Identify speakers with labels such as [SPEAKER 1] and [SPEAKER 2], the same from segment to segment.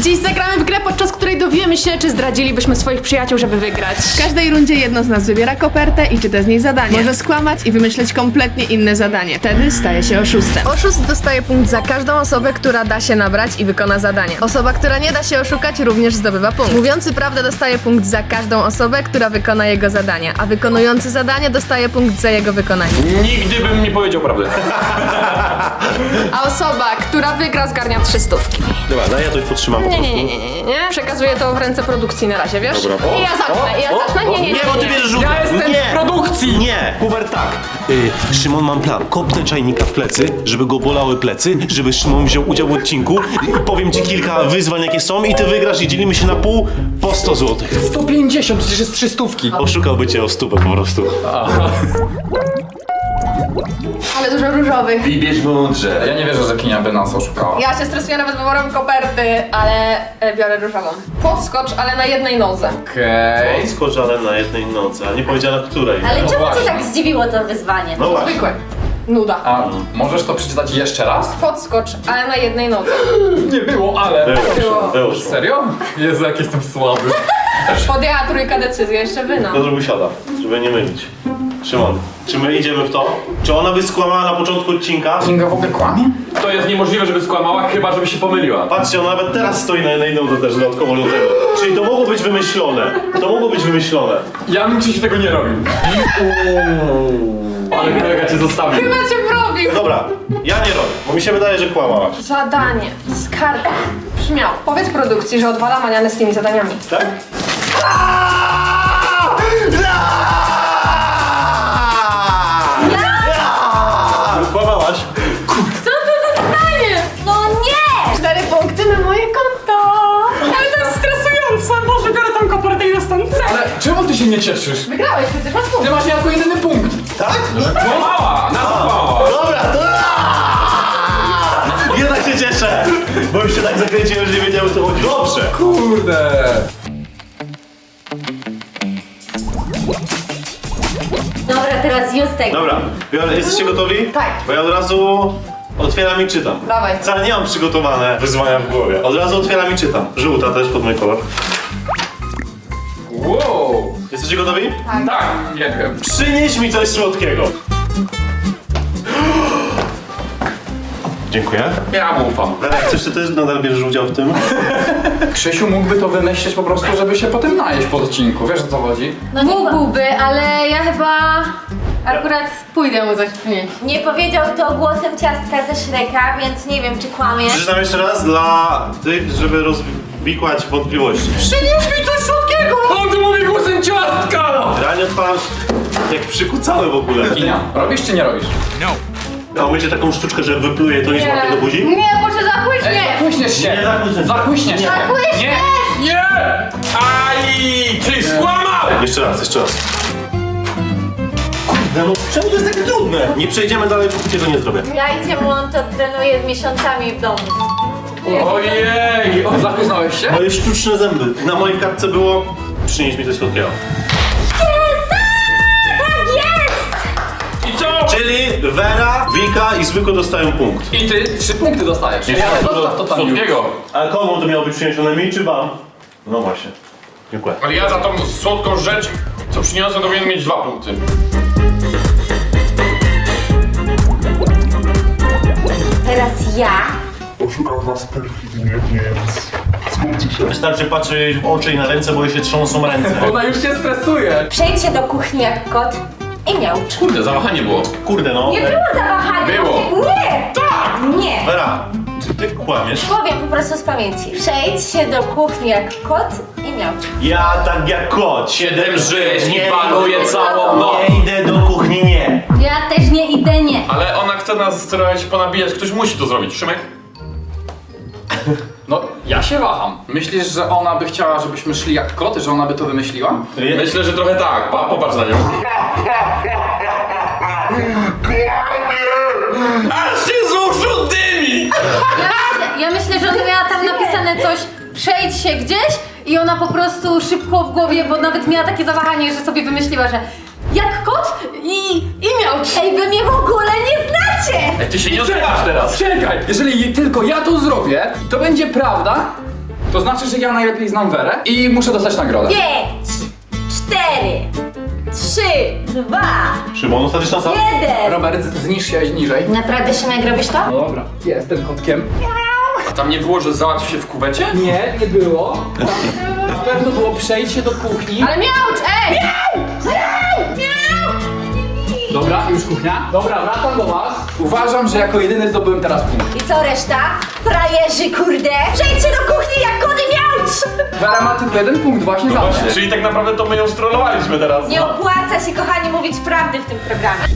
[SPEAKER 1] Dziś zagramy w grę, podczas której dowiemy się, czy zdradzilibyśmy swoich przyjaciół, żeby wygrać.
[SPEAKER 2] W każdej rundzie jedno z nas wybiera kopertę i czyta z niej zadanie. Może skłamać i wymyśleć kompletnie inne zadanie. Wtedy staje się oszustem.
[SPEAKER 3] Oszust dostaje punkt za każdą osobę, która da się nabrać i wykona zadanie. Osoba, która nie da się oszukać, również zdobywa punkt. Mówiący prawdę dostaje punkt za każdą osobę, która wykona jego zadania, a wykonujący zadanie dostaje punkt za jego wykonanie.
[SPEAKER 4] Nigdy bym nie powiedział prawdy.
[SPEAKER 1] A osoba, która wygra, zgarnia 300.
[SPEAKER 5] Dobra, daj ja to już podtrzymam po prostu.
[SPEAKER 1] Nie. Przekazuję to w ręce produkcji na razie, wiesz?
[SPEAKER 5] Dobra.
[SPEAKER 1] I ja zacznę. Nie.
[SPEAKER 5] Bo ty bierzesz żółte.
[SPEAKER 4] Ja jestem
[SPEAKER 5] Nie.
[SPEAKER 4] w produkcji!
[SPEAKER 5] Nie, Hubert tak. Szymon, mam plan. Kopnę czajnika w plecy, żeby go bolały plecy, żeby Szymon wziął udział w odcinku. Powiem ci kilka wyzwań, jakie są i ty wygrasz i dzielimy się na pół po 100 zł.
[SPEAKER 4] 150, przecież jest 300.
[SPEAKER 5] Oszukałby cię o stówę po prostu.
[SPEAKER 1] Ale dużo różowych.
[SPEAKER 4] Wybierz mądrze. Ja nie wierzę, że Kinia by nas oszukała.
[SPEAKER 1] Ja się stresuję nawet wyborem koperty, ale biorę różową. Podskocz, ale na jednej nodze.
[SPEAKER 4] Okej.
[SPEAKER 5] Skocz, ale na jednej nocy, a nie powiedziała na której.
[SPEAKER 6] Ale
[SPEAKER 4] No
[SPEAKER 6] czemu
[SPEAKER 4] właśnie.
[SPEAKER 6] cię tak zdziwiło to wyzwanie?
[SPEAKER 5] No właśnie.
[SPEAKER 1] Zwykłe. Nuda.
[SPEAKER 4] A możesz to przeczytać jeszcze raz?
[SPEAKER 1] Podskocz, ale na jednej nodze.
[SPEAKER 4] Nie było, ale...
[SPEAKER 5] Było.
[SPEAKER 4] Serio? Jezu, jak jestem słaby.
[SPEAKER 1] Podjęła trójka decyzję, jeszcze wy no.
[SPEAKER 5] Piotr wysiada, żeby nie mylić. Szymon, czy my idziemy w to? Czy ona by skłamała na początku odcinka?
[SPEAKER 4] Kinga w ogóle kłamie? To jest niemożliwe, żeby skłamała, chyba żeby się pomyliła.
[SPEAKER 5] Patrzcie, ona nawet teraz stoi na jednej nodze też dodatkowo do tego. Czyli to mogło być wymyślone. To mogło być wymyślone.
[SPEAKER 4] Ja bym ci tego nie robił. Ale kolega cię zostawił.
[SPEAKER 1] Chyba cię wrobił.
[SPEAKER 5] Dobra, ja nie robię, bo mi się wydaje, że kłamała.
[SPEAKER 1] Zadanie. Skarga. Brzmiał. Powiedz produkcji, że odwala manianę z tymi zadaniami.
[SPEAKER 5] Tak? Kłamałaś.
[SPEAKER 1] Co to za zadanie?
[SPEAKER 6] No nie!
[SPEAKER 1] 4 punkty na moje konto. Ale to jest stresujące. Boże, biorę tą kopertę i dostanę cel.
[SPEAKER 4] Ale czemu ty się nie cieszysz?
[SPEAKER 1] Wygrałeś, przecież masz punkt.
[SPEAKER 4] Ty masz jako jedyny punkt.
[SPEAKER 5] Tak?
[SPEAKER 4] Kłamała! Na to kłamała!
[SPEAKER 5] Dobra, to... Jednak się cieszę, bo już się tak zakręciłem, że nie wiedziałem, o co chodzi. Dobrze.
[SPEAKER 4] Kurde!
[SPEAKER 6] Dobra, teraz Justek.
[SPEAKER 5] Dobra, jesteście gotowi?
[SPEAKER 1] Tak.
[SPEAKER 5] Bo ja od razu otwieram i czytam.
[SPEAKER 1] Dawaj.
[SPEAKER 5] Wcale nie mam przygotowane wyzwania w głowie. Od razu otwieram i czytam. Żółta też pod mój kolor.
[SPEAKER 4] Wow!
[SPEAKER 5] Jesteście gotowi?
[SPEAKER 4] Tak, nie wiem.
[SPEAKER 5] Przynieś mi coś słodkiego. Dziękuję.
[SPEAKER 4] Ja mu ufam.
[SPEAKER 5] Darek, coś ty też nadal bierzesz udział w tym?
[SPEAKER 4] Krzysiu mógłby to wymyślić po prostu, żeby się potem najeść po odcinku. Wiesz o co chodzi?
[SPEAKER 6] No nie,
[SPEAKER 1] Mógłby, ale ja chyba akurat pójdę mu coś przynieść.
[SPEAKER 6] nie powiedział to głosem ciastka ze Shreka, więc nie wiem czy kłamie.
[SPEAKER 5] Przeczytam jeszcze raz dla tych, żeby rozwikłać wątpliwości.
[SPEAKER 4] Przynieś mi coś słodkiego! On tu mówi głosem ciastka!
[SPEAKER 5] Realnie odpalam jak przykucały w ogóle.
[SPEAKER 4] Kinia, robisz czy nie robisz?
[SPEAKER 5] A umiecie taką sztuczkę, że wypluje to i złapie do buzi?
[SPEAKER 1] Nie, może zapłyśnie.
[SPEAKER 4] Ej, zakłyśniesz się!
[SPEAKER 5] Nie, zakłyśniesz się.
[SPEAKER 4] Zakłyśniesz się!
[SPEAKER 1] Zakłyśniesz!
[SPEAKER 4] Nie! Nie! Aj! Czyli skłamał!
[SPEAKER 5] Jeszcze raz. Kurde, no czemu to jest takie trudne? Nie przejdziemy dalej, póki tego nie zrobię.
[SPEAKER 6] Ja i cię on to trenuje miesiącami w domu.
[SPEAKER 4] Ojej! O, zakłysnąłeś się?
[SPEAKER 5] Moje sztuczne zęby. Na mojej kartce było przynieś mi coś słodkiego.
[SPEAKER 6] Tak jest!
[SPEAKER 4] I co?
[SPEAKER 5] Czyli Wera, Wika i Zwykły dostają punkt.
[SPEAKER 4] I ty 3 punkty dostajesz.
[SPEAKER 5] Jeszcze
[SPEAKER 4] Zostaw to tam
[SPEAKER 5] A komu to miało być przyniesione, mi czy wam? No właśnie. Dziękuję.
[SPEAKER 7] Ale ja za tą słodką rzecz, co przyniosłem, to powinien mieć 2 punkty.
[SPEAKER 6] Teraz ja.
[SPEAKER 8] Oszukam was perfidnie, więc zgódźcie się.
[SPEAKER 5] Wystarczy patrzeć jej w oczy i na ręce, bo jej się trząsą ręce.
[SPEAKER 4] Ona już się stresuje.
[SPEAKER 6] Przejdź się do kuchni jak kot i miaucz.
[SPEAKER 7] Kurde, zawahanie było.
[SPEAKER 5] Kurde no.
[SPEAKER 6] Nie było zawahania.
[SPEAKER 7] Było.
[SPEAKER 6] Nie! Tak! Nie!
[SPEAKER 5] Wera, czy ty kłamiesz?
[SPEAKER 6] Powiem po prostu z pamięci. Przejdź się do kuchni jak kot i miaucz.
[SPEAKER 5] Ja tak jak kot.
[SPEAKER 7] 7 żyć i panuje całą noc.
[SPEAKER 5] Nie idę do kuchni, nie.
[SPEAKER 6] Ja też nie idę, nie.
[SPEAKER 7] Ale ona chce nas trochę się ponabijać, ktoś musi to zrobić. Szymek?
[SPEAKER 4] No, ja się waham. Myślisz, że ona by chciała, żebyśmy szli jak koty, że ona by to wymyśliła?
[SPEAKER 7] Myślę, że trochę tak. Popatrz na nią. Aż się z uszu dymi!
[SPEAKER 1] Ja myślę, że ona miała tam napisane coś, przejdź się gdzieś i ona po prostu szybko w głowie, bo nawet miała takie zawahanie, że sobie wymyśliła, że jak kot i miaucz.
[SPEAKER 6] Ej, wy mnie w ogóle nie znacie!
[SPEAKER 7] Ej, ty się nie odzywasz teraz.
[SPEAKER 4] Czekaj! Jeżeli tylko ja to zrobię, to będzie prawda, To znaczy, że ja najlepiej znam Werę i muszę dostać nagrodę.
[SPEAKER 6] 5, 4, 3, 2,
[SPEAKER 5] Szymon, ostatnisz na sam?
[SPEAKER 6] 1.
[SPEAKER 4] Robert, zniż się niżej.
[SPEAKER 6] Naprawdę, Szymek, robisz to?
[SPEAKER 4] No dobra, jestem kotkiem.
[SPEAKER 7] A tam nie było, że załatwi się w kuwecie?
[SPEAKER 4] Nie było. Tam na pewno było przejście do kuchni.
[SPEAKER 2] Ale miaucz, ej!
[SPEAKER 4] Dobra, już kuchnia. Dobra, wracam do was. Uważam, że jako jedyny zdobyłem teraz punkt.
[SPEAKER 6] I co reszta? Frajerzy, kurde! Przejdźcie do kuchni jak kody miaucz!
[SPEAKER 4] Wera ma tylko jeden punkt właśnie za mnie.
[SPEAKER 7] Czyli tak naprawdę to my ją strollowaliśmy teraz.
[SPEAKER 6] Nie opłaca się, kochani, mówić prawdy w tym programie.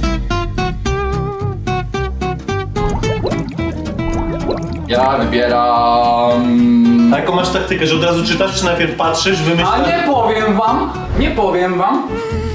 [SPEAKER 4] Ja wybieram...
[SPEAKER 5] A jaką masz taktykę, że od razu czytasz, czy najpierw patrzysz,
[SPEAKER 4] A
[SPEAKER 5] wymyślasz?
[SPEAKER 4] nie powiem wam.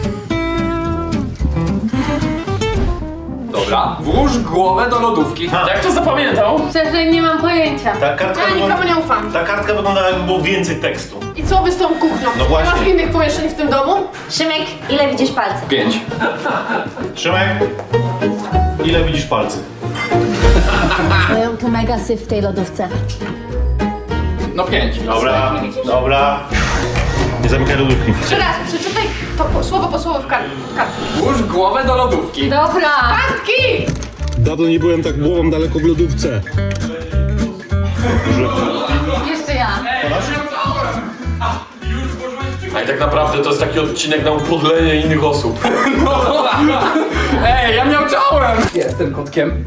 [SPEAKER 4] Dobra, włóż głowę do lodówki.
[SPEAKER 7] Jak to zapamiętał?
[SPEAKER 1] Szczerze nie mam pojęcia.
[SPEAKER 5] Ta kartka,
[SPEAKER 2] Ja nikomu nie ufam.
[SPEAKER 5] ta kartka wyglądała, jakby było więcej tekstu.
[SPEAKER 2] I co wy z tą kuchnią?
[SPEAKER 5] No właśnie.
[SPEAKER 2] Nie masz innych pomieszczeń w tym domu?
[SPEAKER 6] Szymek, ile widzisz palców?
[SPEAKER 4] 5.
[SPEAKER 5] Szymek, ile widzisz palcy?
[SPEAKER 6] Mają tu mega syf w tej lodówce.
[SPEAKER 4] No 5.
[SPEAKER 5] Dobra, dobra. Nie zamykaj lodówki.
[SPEAKER 2] Jeszcze raz, przeczytaj to słowo po słowo w kartce.
[SPEAKER 4] Włóż głowę do lodówki.
[SPEAKER 1] Dobra.
[SPEAKER 2] Kartki!
[SPEAKER 9] Dawno nie byłem tak głową daleko w lodówce.
[SPEAKER 1] Jeszcze ja.
[SPEAKER 7] A i tak naprawdę to jest taki odcinek na upodlenie innych osób.
[SPEAKER 4] Ej, ja miauczałem! Jestem kotkiem.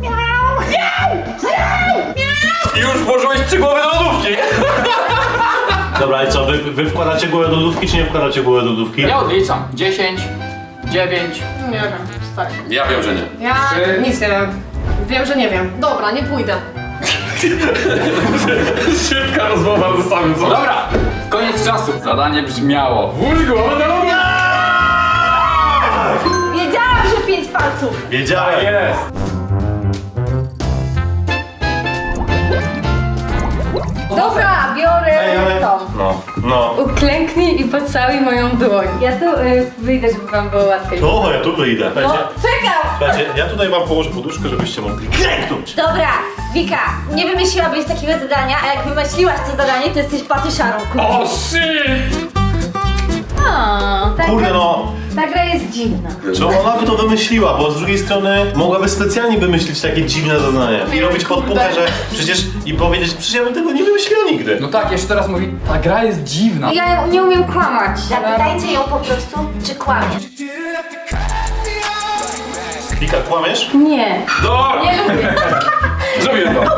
[SPEAKER 7] I już włożyłeś 3 głowy do lodówki.
[SPEAKER 5] Dobra, i co, wy wkładacie głowę do lodówki, czy nie wkładacie głowę do lodówki?
[SPEAKER 4] Ja odliczam. 10, 9.
[SPEAKER 2] Nie wiem, stary.
[SPEAKER 7] Ja wiem, że nie.
[SPEAKER 2] Ja
[SPEAKER 4] Trzy.
[SPEAKER 2] nic nie wiem. Wiem, że nie wiem. Dobra, nie pójdę.
[SPEAKER 7] Szybka rozmowa ze samym sobą.
[SPEAKER 4] Dobra, koniec czasu. Zadanie brzmiało.
[SPEAKER 7] Włóż głowę do lodówki.
[SPEAKER 6] Wiedziałam, że 5 palców!
[SPEAKER 5] Wiedziałem.
[SPEAKER 7] Jest.
[SPEAKER 1] Dobra, biorę
[SPEAKER 5] Ej, ale...
[SPEAKER 1] tą.
[SPEAKER 5] No.
[SPEAKER 1] Uklęknij i pocałuj moją dłoń. Ja tu wyjdę, żeby wam było łatwiej.
[SPEAKER 5] To ja tu wyjdę.
[SPEAKER 1] No, czekam!
[SPEAKER 5] Słuchajcie, ja tutaj wam położę poduszkę, żebyście mogli klęknąć.
[SPEAKER 6] Dobra, Wika, nie wymyśliłabyś takiego zadania, a jak wymyśliłaś to zadanie, to jesteś patyszarą, kurde.
[SPEAKER 7] O, shit!
[SPEAKER 5] Kurde no,
[SPEAKER 1] Ta gra jest dziwna.
[SPEAKER 5] czy ona by to wymyśliła, bo z drugiej strony mogłaby specjalnie wymyślić takie dziwne zadanie i robić podpuchę, że przecież i powiedzieć, przecież ja bym tego nie wymyśliła nigdy.
[SPEAKER 4] No tak, jeszcze teraz mówi, ta gra jest dziwna.
[SPEAKER 1] Ja nie umiem kłamać.
[SPEAKER 6] Zapytajcie ją po prostu, czy kłamie.
[SPEAKER 5] Wika, kłamiesz?
[SPEAKER 1] Nie.
[SPEAKER 7] Dobra!
[SPEAKER 1] Nie lubię.
[SPEAKER 7] Zrobię to.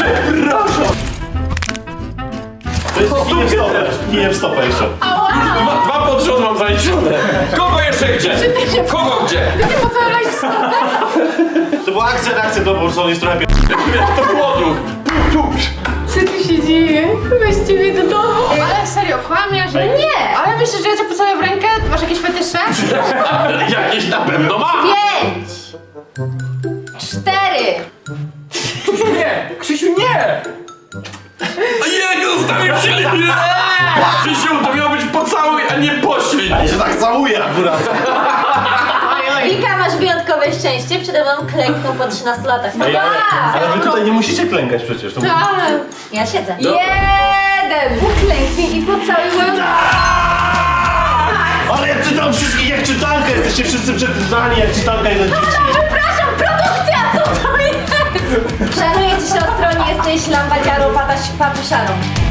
[SPEAKER 5] To jest kijem w stopę jeszcze.
[SPEAKER 7] Dwa pod rząd mam zaliczone. Kogo jeszcze gdzie? Kogo gdzie?
[SPEAKER 2] Ty nie pocałowałeś w stopę?
[SPEAKER 5] To była akcja, to po prostu on jest trochę
[SPEAKER 7] To głodu.
[SPEAKER 1] Co tu się dzieje? Weźcie mnie do domu.
[SPEAKER 2] Ale serio, kłamiesz?
[SPEAKER 1] Nie.
[SPEAKER 2] Ale myślisz, że ja cię pocałuję w rękę? Masz jakieś fetysze?
[SPEAKER 7] Jakieś na pewno ma.
[SPEAKER 1] 5, 4.
[SPEAKER 4] Nie, Krzysiu, nie!
[SPEAKER 7] Jego zostawił się linie. Krzysiu, to miał być pocałuj, a nie poślij.
[SPEAKER 5] Ja się tak całuję akurat.
[SPEAKER 6] Wika, masz wyjątkowe szczęście, przede mną klęknął po 13 latach.
[SPEAKER 5] Ej, ale wy tutaj nie musicie klękać przecież. To...
[SPEAKER 6] Ja siedzę.
[SPEAKER 1] 1. Uklęknij i pocałuj moją
[SPEAKER 5] Ale ja czytam wszystkich jak czytankę, jesteście wszyscy przeczytani jak czytanka jeden dzieci.
[SPEAKER 6] Przepraszam, produkcja, co to jest? Szanuję cię, siostro, nie jesteś lambadziarą, patyszarą.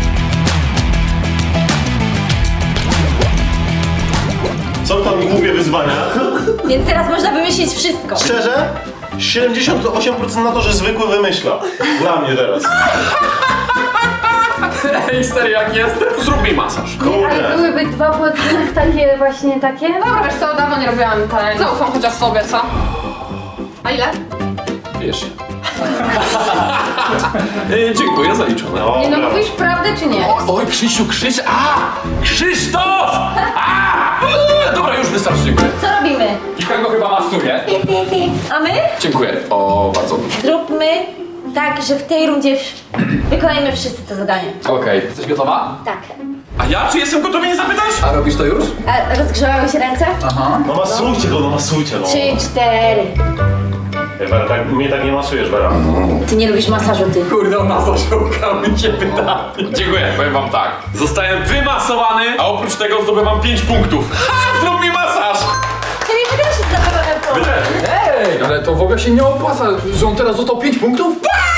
[SPEAKER 5] Są tam głupie wyzwania.
[SPEAKER 6] Więc teraz można wymyślić wszystko.
[SPEAKER 5] Szczerze, 78% na to, że zwykły wymyśla. Dla mnie teraz.
[SPEAKER 7] Ej, stary, jak jestem, zrób mi masaż.
[SPEAKER 1] Ale
[SPEAKER 5] Kurde.
[SPEAKER 1] byłyby 2 podróżnych takie właśnie takie.
[SPEAKER 2] Dobra, wiesz co, dawno nie robiłam ten. Zaufam chociaż sobie, co? A ile?
[SPEAKER 7] Wiesz. Dziękuję, zaliczone.
[SPEAKER 1] Nie no,
[SPEAKER 5] Dobra.
[SPEAKER 1] mówisz prawdę czy nie?
[SPEAKER 7] Oj, Krzysiu, Krzysztof! Dobra, już wystarczy, dziękuję.
[SPEAKER 6] Co robimy?
[SPEAKER 4] Nikogo chyba masuje.
[SPEAKER 6] A my?
[SPEAKER 7] Dziękuję, o, bardzo.
[SPEAKER 6] Zróbmy tak, że w tej rundzie wykonajmy wszyscy to zadanie.
[SPEAKER 4] Okej, jesteś gotowa?
[SPEAKER 6] Tak.
[SPEAKER 7] A ja czy jestem gotowy, nie zapytasz?
[SPEAKER 4] A robisz to już?
[SPEAKER 6] A rozgrzewały się ręce?
[SPEAKER 4] Aha.
[SPEAKER 5] No masujcie go, no masujcie no.
[SPEAKER 6] 3, 4.
[SPEAKER 5] Wera, tak, mnie tak nie masujesz, Wera.
[SPEAKER 6] Ty nie lubisz masażu, ty.
[SPEAKER 4] Kurde, on nas oszukał, mi się wydaje.
[SPEAKER 7] Dziękuję, powiem wam tak. Zostałem wymasowany, a oprócz tego zdobywam 5 punktów. Ha! Zrób mi masaż!
[SPEAKER 6] Ty mi też się zabrałem.
[SPEAKER 4] Ej, ale to w ogóle się nie opłaca, że on teraz dostał 5 punktów?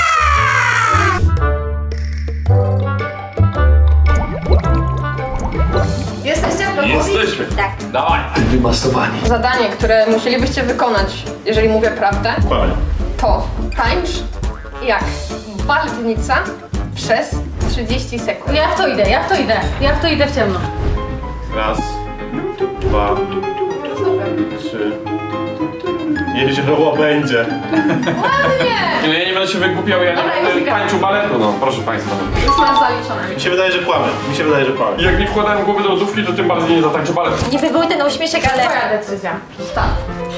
[SPEAKER 3] Jesteście gotowi?
[SPEAKER 7] Jesteśmy.
[SPEAKER 6] Tak.
[SPEAKER 7] Dawaj.
[SPEAKER 4] Wymasowani.
[SPEAKER 3] Zadanie, które musielibyście wykonać, jeżeli mówię prawdę,
[SPEAKER 5] Kłamie.
[SPEAKER 3] to tańcz jak baldnica przez 30 sekund.
[SPEAKER 1] Ja w to idę, ja w to idę w ciemno.
[SPEAKER 5] Raz, dwa, trzy. Jezioro będzie.
[SPEAKER 7] Ja nie będę się wygłupiał, ja nie
[SPEAKER 3] Dobra,
[SPEAKER 7] będę
[SPEAKER 3] Jessica.
[SPEAKER 7] tańczył baletu, no proszę państwa.
[SPEAKER 3] Już masz zaliczone.
[SPEAKER 5] Mi się wydaje, że kłamie. Mi się wydaje, że kłamie.
[SPEAKER 7] Jak nie wkładałem głowy do lodówki, to tym bardziej nie zatańczę baletu.
[SPEAKER 6] Nie wywołuj ten uśmieszek, ale...
[SPEAKER 3] Twoja decyzja. Start.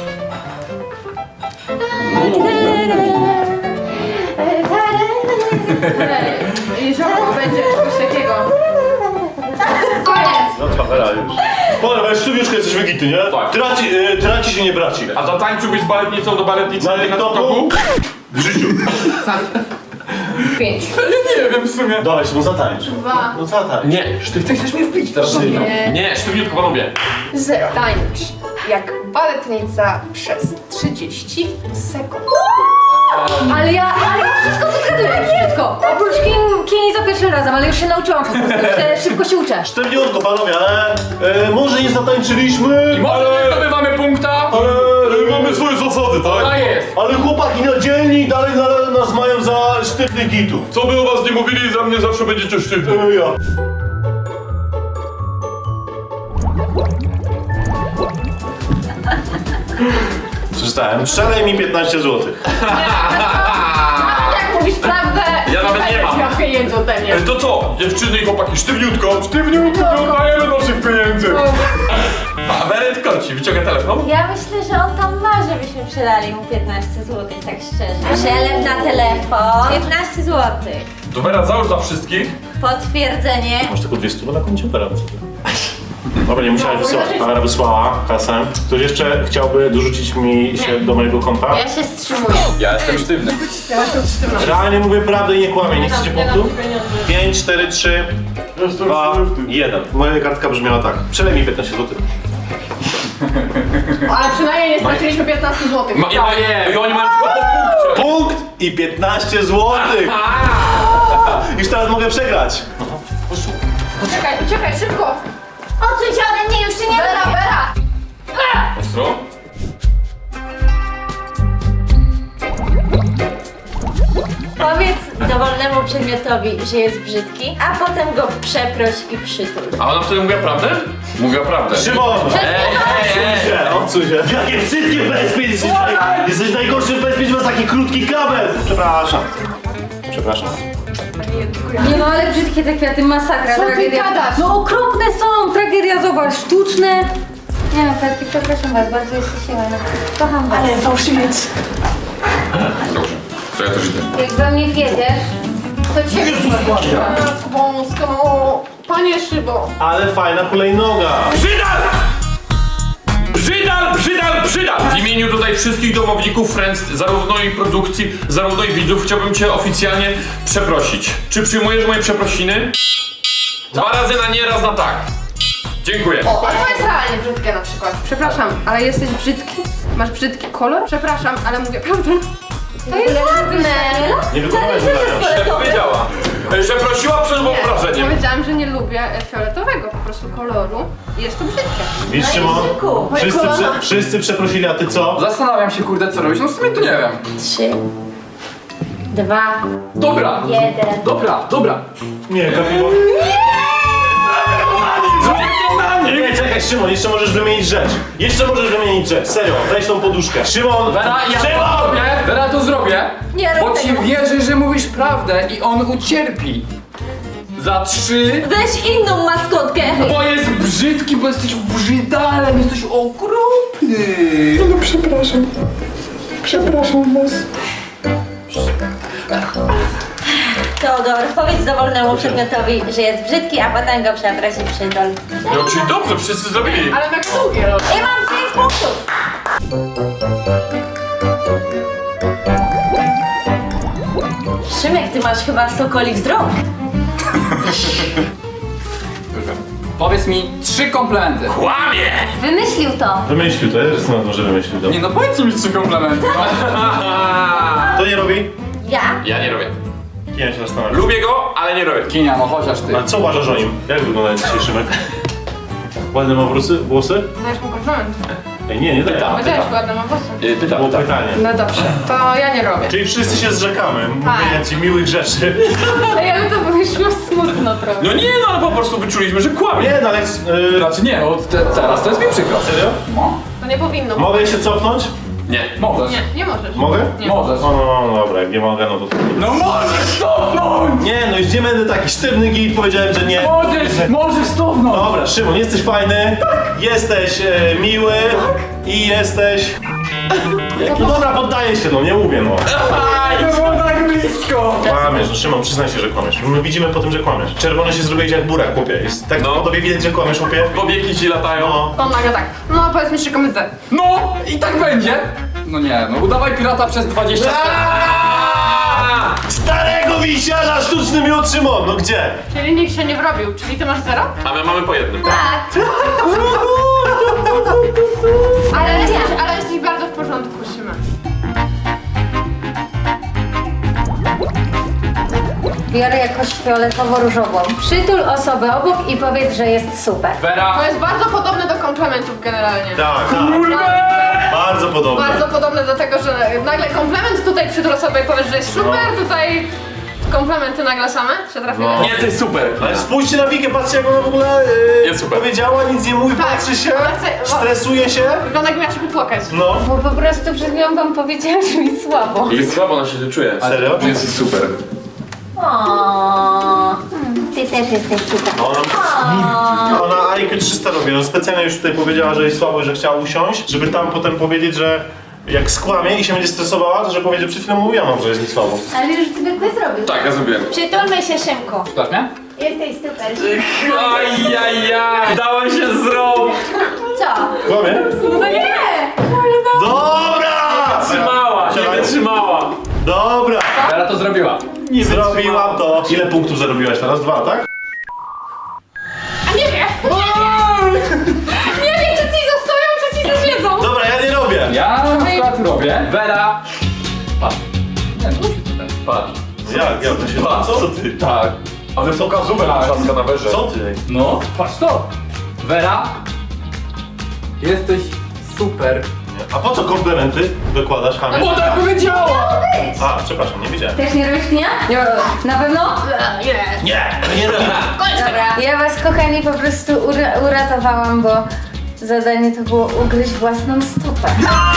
[SPEAKER 3] Jezioro będzie coś takiego. Koniec!
[SPEAKER 5] No to Wera już. Powiem, ale sztubiuszkę jesteś wygity, nie?
[SPEAKER 7] Tak.
[SPEAKER 5] Traci się nie braci.
[SPEAKER 7] A zatańczyłbyś z baletnicą do baletnicy
[SPEAKER 5] Na
[SPEAKER 7] na
[SPEAKER 5] TikToku?
[SPEAKER 7] W życiu.
[SPEAKER 3] 5.
[SPEAKER 4] Nie wiem w sumie.
[SPEAKER 5] Dawaj, no zatańcz.
[SPEAKER 3] 2.
[SPEAKER 5] No zatańcz.
[SPEAKER 7] Nie,
[SPEAKER 4] Ty chcesz mnie wbić teraz?
[SPEAKER 7] nie, sztywniutko panowie.
[SPEAKER 3] 0. Tańcz jak baletnica przez 30 sekund.
[SPEAKER 1] Ale ja wszystko to zgaduję, wszystko. Oprócz Kini za pierwszym razem, ale już się nauczyłam po prostu, szybko się uczę.
[SPEAKER 5] Sztywniutko, panowie, ale może nie zatańczyliśmy,
[SPEAKER 7] I może nie zdobywamy punkta,
[SPEAKER 5] ale
[SPEAKER 7] mamy swoje zasady, tak?
[SPEAKER 4] A jest.
[SPEAKER 5] ale chłopaki na dzielni dalej nas mają za sztywnych gitów.
[SPEAKER 7] Co by o was nie mówili, za mnie zawsze będziecie sztywni.
[SPEAKER 5] Ja. Przeczytałem. Strzelaj mi 15 zł.
[SPEAKER 3] Jak mówisz prawdę,
[SPEAKER 7] Ja nawet nie mam.
[SPEAKER 3] miał pieniędzy ode mnie.
[SPEAKER 7] To co, dziewczyny i chłopaki, sztywniutko, sztywniutko, nie oddajemy naszych pieniędzy. A Beret koci, wyciąga telefon.
[SPEAKER 6] Ja myślę, że on tam ma, żebyśmy przelali mu 15 zł, tak szczerze. Przelew na telefon. 15 zł.
[SPEAKER 7] To Wera, załóż za wszystkich.
[SPEAKER 6] Potwierdzenie.
[SPEAKER 5] Masz tylko 200 na koncie teraz. Dobra, nie musiałeś wysyłać. Kamera wysłała kasę. Ktoś jeszcze chciałby dorzucić mi się do mojego konta?
[SPEAKER 6] Ja się wstrzymuję.
[SPEAKER 7] Ja jestem sztywny.
[SPEAKER 5] Realnie mówię prawdę i nie kłamię. Nie chcecie punktu? 5, 4, 3, 2, 1. Moja kartka brzmiała tak. Przelej mi 15 zł.
[SPEAKER 3] Ale przynajmniej nie straciliśmy 15 zł.
[SPEAKER 7] I oni mają tylko po punkcie.
[SPEAKER 5] Punkt i 15 zł. Już teraz mogę przegrać.
[SPEAKER 3] Uciekaj, szybko!
[SPEAKER 6] Odsuń się ode mnie, już cię nie
[SPEAKER 3] Bera,
[SPEAKER 6] lubię.
[SPEAKER 3] Bera!
[SPEAKER 7] Ostro?
[SPEAKER 6] Powiedz dowolnemu przedmiotowi, że jest brzydki, a potem go przeproś i przytul.
[SPEAKER 7] A ona wtedy mówiła prawdę? Mówiła prawdę.
[SPEAKER 5] Szymon!
[SPEAKER 7] Ej.
[SPEAKER 5] Odsuń się. Jakie brzydkie bezpiecz! Jesteś najgorszym bezpiecz, masz taki krótki kabel. Przepraszam. Przepraszam.
[SPEAKER 1] Nie no, ale brzydkie te kwiaty, masakra,
[SPEAKER 3] Co ty
[SPEAKER 1] tragedia.
[SPEAKER 3] gadasz?
[SPEAKER 1] No okropne są, tragedia, zobacz, sztuczne. Nie no, kwiatki, przepraszam was, bardzo jesteście ładne. Kocham was. Ale
[SPEAKER 3] Fałszywiec.
[SPEAKER 7] Dobrze, to ja też idę.
[SPEAKER 1] jak we mnie wiedziesz, to cię
[SPEAKER 3] Wąsko. Panie Szybo.
[SPEAKER 5] Ale fajna hulajnoga.
[SPEAKER 7] Brzydal! Brzydal, brzydal, brzydal! W imieniu tutaj wszystkich domowników Friends, zarówno i produkcji, zarówno i widzów, chciałbym cię oficjalnie przeprosić. Czy przyjmujesz moje przeprosiny? 2 razy na nie, raz na tak. Dziękuję.
[SPEAKER 3] O, ale to jest realnie brzydkie na przykład. Przepraszam, ale jesteś brzydki? Masz brzydki kolor? Przepraszam, ale mówię prawdę.
[SPEAKER 6] To jest ładne.
[SPEAKER 5] Nie wykonałeś zadania.
[SPEAKER 7] Nie powiedziała. Że prosiła przed wyobrażeniem.
[SPEAKER 3] Powiedziałam, że nie lubię fioletowego po prostu koloru i jest to brzydkie.
[SPEAKER 5] Widzisz, Szymon?
[SPEAKER 6] Języku.
[SPEAKER 5] Wszyscy przeprosili, a ty co?
[SPEAKER 4] Zastanawiam się, kurde, co robić. No w sumie to nie wiem.
[SPEAKER 6] 3, 2,
[SPEAKER 4] Dobra.
[SPEAKER 6] 1.
[SPEAKER 4] Dobra.
[SPEAKER 5] Nie, kapiło. Nie, czekaj, Szymon, jeszcze możesz wymienić rzecz. Serio, weź tą poduszkę. Szymon!
[SPEAKER 4] Wera, ja to
[SPEAKER 5] Szymon!
[SPEAKER 4] zrobię. Wera, to zrobię.
[SPEAKER 6] Nie
[SPEAKER 4] Bo
[SPEAKER 6] rób
[SPEAKER 4] ci
[SPEAKER 6] tego.
[SPEAKER 4] wierzę, że mówisz prawdę i on ucierpi. Za 3.
[SPEAKER 6] Weź inną maskotkę.
[SPEAKER 4] Bo jest brzydki, bo jesteś brzydalem, jesteś okropny. No przepraszam. Przepraszam was.
[SPEAKER 6] Teodor, powiedz dowolnemu przedmiotowi, że jest brzydki, a potem go przeproś i przytul.
[SPEAKER 7] No czyli dobrze, wszyscy zrobili.
[SPEAKER 3] Ale na długie robię.
[SPEAKER 6] I mam 5 punktów. Szymek, ty masz chyba sokoli wzrok.
[SPEAKER 4] Powiedz mi 3 komplementy.
[SPEAKER 7] Kłamie!
[SPEAKER 1] Wymyślił to.
[SPEAKER 5] Wymyślił to, ja jestem na to, że wymyślił to.
[SPEAKER 4] Nie no, powiedz mi 3 komplementy.
[SPEAKER 5] To nie robi?
[SPEAKER 6] Ja?
[SPEAKER 7] Ja nie robię.
[SPEAKER 5] Ja się zastanawiam.
[SPEAKER 7] Lubię go, ale nie robię.
[SPEAKER 4] Kinia, no chociaż ty.
[SPEAKER 5] A co uważasz o nim? Jak wygląda dzisiaj Szymek? Ładne ma włosy?
[SPEAKER 2] Dajesz mu komplement.
[SPEAKER 5] Ej, nie daję.
[SPEAKER 2] Powiedziałeś ładne ma włosy.
[SPEAKER 5] Było pytanie.
[SPEAKER 2] No dobrze, to ja nie robię.
[SPEAKER 5] Czyli wszyscy się zrzekamy, mówienia ci miłych rzeczy.
[SPEAKER 1] Ej, ale to wyszło smutno trochę.
[SPEAKER 7] No nie, no ale po prostu wyczuliśmy, że kłamie.
[SPEAKER 5] Nie, no ale...
[SPEAKER 4] Znaczy nie, no teraz to jest mi przykro.
[SPEAKER 5] Serio?
[SPEAKER 4] No,
[SPEAKER 2] To nie powinno.
[SPEAKER 5] Mogę się cofnąć?
[SPEAKER 7] Nie.
[SPEAKER 4] możesz.
[SPEAKER 2] Nie możesz.
[SPEAKER 5] Mogę?
[SPEAKER 4] Możesz.
[SPEAKER 5] No dobra, jak nie mogę, no to...
[SPEAKER 4] No możesz stopnąć!
[SPEAKER 5] Nie, no już nie będę taki sztywny git, powiedziałem, że nie.
[SPEAKER 4] Możesz stopnąć!
[SPEAKER 5] Dobra, Szymon, jesteś fajny, jesteś miły i jesteś... No dobra, poddaję się, no nie mówię, no.
[SPEAKER 4] To było tak blisko!
[SPEAKER 5] Kłamiesz, no Szymon, przyznaj się, że kłamiesz. My widzimy po tym, że kłamiesz. Czerwony się zrobiłeś jak burak, chłopie. Jest tak
[SPEAKER 7] No.
[SPEAKER 5] po tobie widać, że kłamiesz, chłopie.
[SPEAKER 7] Powieki ci latają.
[SPEAKER 5] No.
[SPEAKER 2] On nagle tak. No powiedz mi 3 komplementy.
[SPEAKER 4] No i tak będzie! No nie, no udawaj pirata przez 20
[SPEAKER 5] Starego wisiarza sztuczny miód, Szymon, no gdzie?
[SPEAKER 2] Czyli nikt się nie wrobił, czyli ty masz 0?
[SPEAKER 7] A my mamy po jednym.
[SPEAKER 1] Tak.
[SPEAKER 2] Ale jesteś bardzo w porządku, Szymek.
[SPEAKER 1] Biorę jakoś fioletowo-różową. Przytul osobę obok i powiedz, że jest super.
[SPEAKER 4] Vera!
[SPEAKER 2] To jest bardzo podobne do komplementów generalnie.
[SPEAKER 5] Tak, bardzo podobne.
[SPEAKER 2] Bardzo podobne do tego, że nagle komplement tutaj przy osobie powiesz, że jest super, tutaj komplementy nagle same się trafiły.
[SPEAKER 5] No.
[SPEAKER 7] Nie, to jest super.
[SPEAKER 5] Ale spójrzcie na Wikę, patrzcie jak ona w ogóle
[SPEAKER 7] Jest super.
[SPEAKER 5] powiedziała, nic nie mówi,
[SPEAKER 2] Tak.
[SPEAKER 5] patrzy się,
[SPEAKER 2] Ona chce-
[SPEAKER 5] stresuje się.
[SPEAKER 2] Wygląda jakby miała się popłakać.
[SPEAKER 5] No.
[SPEAKER 1] Bo po prostu przed chwilą wam powiedziałam, że mi słabo.
[SPEAKER 7] Jest słabo, ona się czuje.
[SPEAKER 5] Serio?
[SPEAKER 7] Jest super.
[SPEAKER 1] Ty też jesteś super.
[SPEAKER 5] Ona IQ 300 robi, no specjalnie już tutaj powiedziała, że jest słabo, że chciała usiąść, żeby tam potem powiedzieć, że jak skłamie i się będzie stresowała, to że powie, że przed chwilą mówiłam, że jest mi słabo.
[SPEAKER 1] Ale już zwykle zrobił.
[SPEAKER 7] Tak, ja zrobiłem.
[SPEAKER 6] Przytulmy się, Szymku.
[SPEAKER 4] Słuchasz mnie?
[SPEAKER 6] Jesteś super.
[SPEAKER 7] Ajajaj! Dałem się zrobić!
[SPEAKER 6] Co?
[SPEAKER 5] Kłamie?
[SPEAKER 6] No nie!
[SPEAKER 5] Dobra!
[SPEAKER 7] Trzymała, nie wytrzymała.
[SPEAKER 5] Dobra!
[SPEAKER 4] Vera to zrobiła.
[SPEAKER 5] Zrobiłam to. Ile punktów zarobiłaś teraz? 2, tak?
[SPEAKER 2] Nie wiem, czy ci zostawią, czy ci też jedzą.
[SPEAKER 5] Dobra, ja nie robię.
[SPEAKER 4] Ja na przykład robię. Vera! Patrz. Nie, no tutaj. Patrz.
[SPEAKER 5] Jak to się... Co ty?
[SPEAKER 4] Tak.
[SPEAKER 7] Ale pokazówę na trzaska na werze.
[SPEAKER 5] Co ty?
[SPEAKER 4] No, patrz to! Vera! Jesteś super.
[SPEAKER 5] A po co komplementy dokładasz, Hamie?
[SPEAKER 4] Bo tak powiedziała!
[SPEAKER 5] A, przepraszam, nie wiedziałem.
[SPEAKER 1] Też nie robisz knia? Nie. Na pewno?
[SPEAKER 5] Nie robię.
[SPEAKER 1] Dobra. Ja was, kochani, po prostu uratowałam, bo zadanie to było ugryźć własną stopę.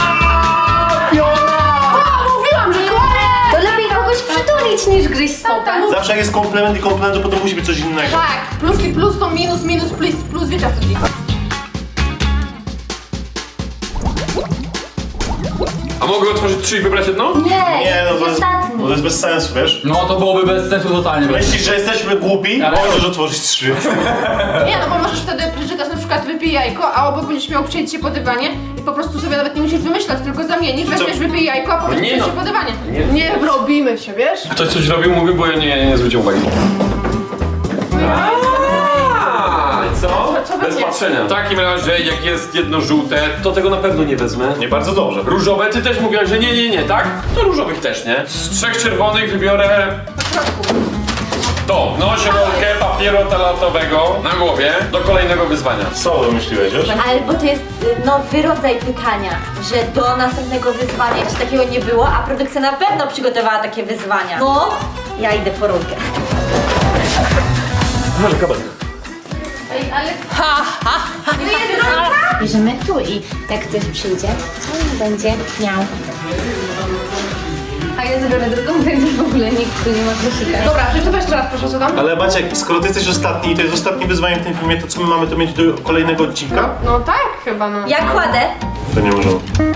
[SPEAKER 2] Mówiłam, że kłamie!
[SPEAKER 1] To lepiej kogoś przytulić niż gryźć stopę.
[SPEAKER 5] Zawsze jak jest komplement i komplement, to potem musi być coś innego.
[SPEAKER 2] Tak, plus i plus to minus, minus, plus, wiecie o co chodzi.
[SPEAKER 7] A mogę otworzyć 3 i wybrać jedno?
[SPEAKER 5] Nie, no to jest,
[SPEAKER 1] ostatni.
[SPEAKER 5] to jest bez sensu, wiesz?
[SPEAKER 4] No to byłoby bez sensu totalnie.
[SPEAKER 5] Myślisz, że jesteśmy głupi?
[SPEAKER 4] Ale-
[SPEAKER 5] Możesz otworzyć 3.
[SPEAKER 2] Nie, no bo możesz wtedy przeczytać na przykład wypij jajko, a obok będziesz miał przejść się po dywanie i po prostu sobie nawet nie musisz wymyślać, tylko zamienisz, weźmiesz wypij jajko, a potem
[SPEAKER 7] Nie
[SPEAKER 2] przejść
[SPEAKER 7] no.
[SPEAKER 2] się po dywanie.
[SPEAKER 7] Nie.
[SPEAKER 2] Nie robimy się, wiesz?
[SPEAKER 7] Ktoś coś robił, mówił, bo ja nie zwróciłem uwagi. Co?
[SPEAKER 2] Co
[SPEAKER 7] Bez
[SPEAKER 2] będzie?
[SPEAKER 7] patrzenia. W takim razie, jak jest jedno żółte, to tego na pewno nie wezmę.
[SPEAKER 5] Nie bardzo dobrze.
[SPEAKER 7] Różowe, ty też mówiłaś, że nie, tak? To różowych też nie. Z 3 czerwonych wybiorę to. Noś rolkę papieru toaletowego na głowie do kolejnego wyzwania.
[SPEAKER 5] Co wymyśliłeś, wiesz?
[SPEAKER 6] Albo to jest nowy rodzaj pytania, że do następnego wyzwania jeszcze takiego nie było, a produkcja na pewno przygotowała takie wyzwania. No, ja idę po rolkę.
[SPEAKER 5] Może kabel.
[SPEAKER 2] Ej, ale...
[SPEAKER 6] Tu jest rolka? Bierzemy tu i jak ktoś przyjdzie, to będzie miał.
[SPEAKER 1] A ja zabiorę drugą, więc w ogóle nikt tu nie ma koszyka.
[SPEAKER 2] Dobra, przeczytaj jeszcze raz proszę, co tam?
[SPEAKER 5] Ale Maciek, skoro ty jesteś ostatni i to jest ostatnie wyzwanie w tym filmie, to co my mamy to mieć do kolejnego odcinka?
[SPEAKER 2] No tak, chyba no.
[SPEAKER 6] Ja kładę.
[SPEAKER 5] To nie możemy.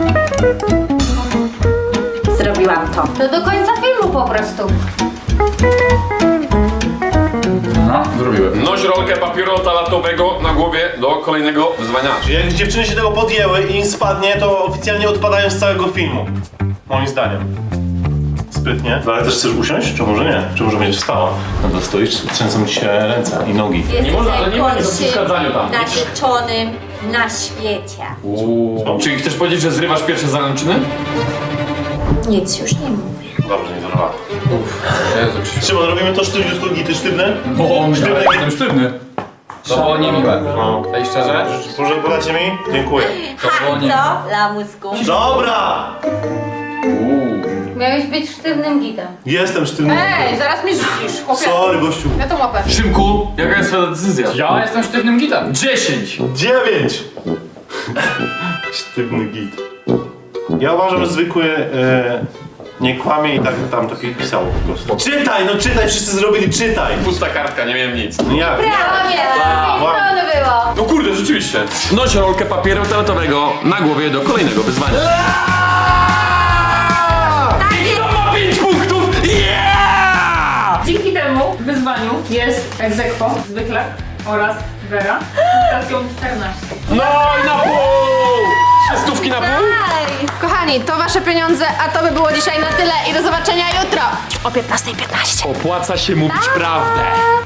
[SPEAKER 6] Zrobiłam to.
[SPEAKER 1] To do końca filmu po prostu.
[SPEAKER 4] No, zrobiłem.
[SPEAKER 7] Noś rolkę papieru toaletowego na głowie do kolejnego wyzwania.
[SPEAKER 5] Jak dziewczyny się tego podjęły i im spadnie, to oficjalnie odpadają z całego filmu. Moim zdaniem. sprytnie. Ale też chcesz usiąść? Czy może nie? Czy może będziesz wstała? No to stoisz, trzęsą ci się ręce i nogi.
[SPEAKER 6] Jesteś
[SPEAKER 7] można, ale nie ma nic o
[SPEAKER 6] najgorszym
[SPEAKER 7] przeszkadzaniu tam.
[SPEAKER 6] narzeczonym na świecie.
[SPEAKER 7] Czyli chcesz powiedzieć, że zrywasz pierwsze zaręczyny?
[SPEAKER 6] Nic już nie mówię.
[SPEAKER 5] Dobrze, nie zerwała.
[SPEAKER 7] Jezu, Krzysiu.
[SPEAKER 5] Szymon, robimy to sztywniutko, gity sztywne?
[SPEAKER 7] Ja jestem sztywny. To było niemiłe.
[SPEAKER 5] No.
[SPEAKER 7] Ej, szczerze?
[SPEAKER 5] Proszę, podacie mi? Dziękuję.
[SPEAKER 7] To było nie...
[SPEAKER 6] Co, lamusku?
[SPEAKER 5] Dobra!
[SPEAKER 1] Miałeś być sztywnym gitem.
[SPEAKER 5] Jestem sztywny.
[SPEAKER 2] Ej, zaraz mnie rzucisz, chłopie.
[SPEAKER 5] Sorry, gościu.
[SPEAKER 2] Ja to łapę.
[SPEAKER 7] Szymku, jaka jest twoja decyzja?
[SPEAKER 4] Ja jestem sztywnym gitem.
[SPEAKER 7] 10!
[SPEAKER 5] 9! Sztywny git. Ja uważam, że zwykły nie kłamie i tak tam to pisało po prostu. Czytaj, no czytaj, wszyscy zrobili, czytaj!
[SPEAKER 7] Pusta kartka, nie wiem nic.
[SPEAKER 5] No jak?
[SPEAKER 1] Kłamie! Z drugiej strony było.
[SPEAKER 7] No kurde, rzeczywiście. Noś rolkę papieru toaletowego na głowie do kolejnego wyzwania. I to ma 5 punktów! Yeah!
[SPEAKER 10] Dzięki temu wyzwaniu jest egzekwo zwykle oraz Vera z punktacją 14.
[SPEAKER 7] No i na pół! 3 stówki na pół?
[SPEAKER 3] Kochani, to wasze pieniądze, a to by było dzisiaj na tyle i do zobaczenia jutro o 15:15.
[SPEAKER 7] Opłaca się mówić prawdę.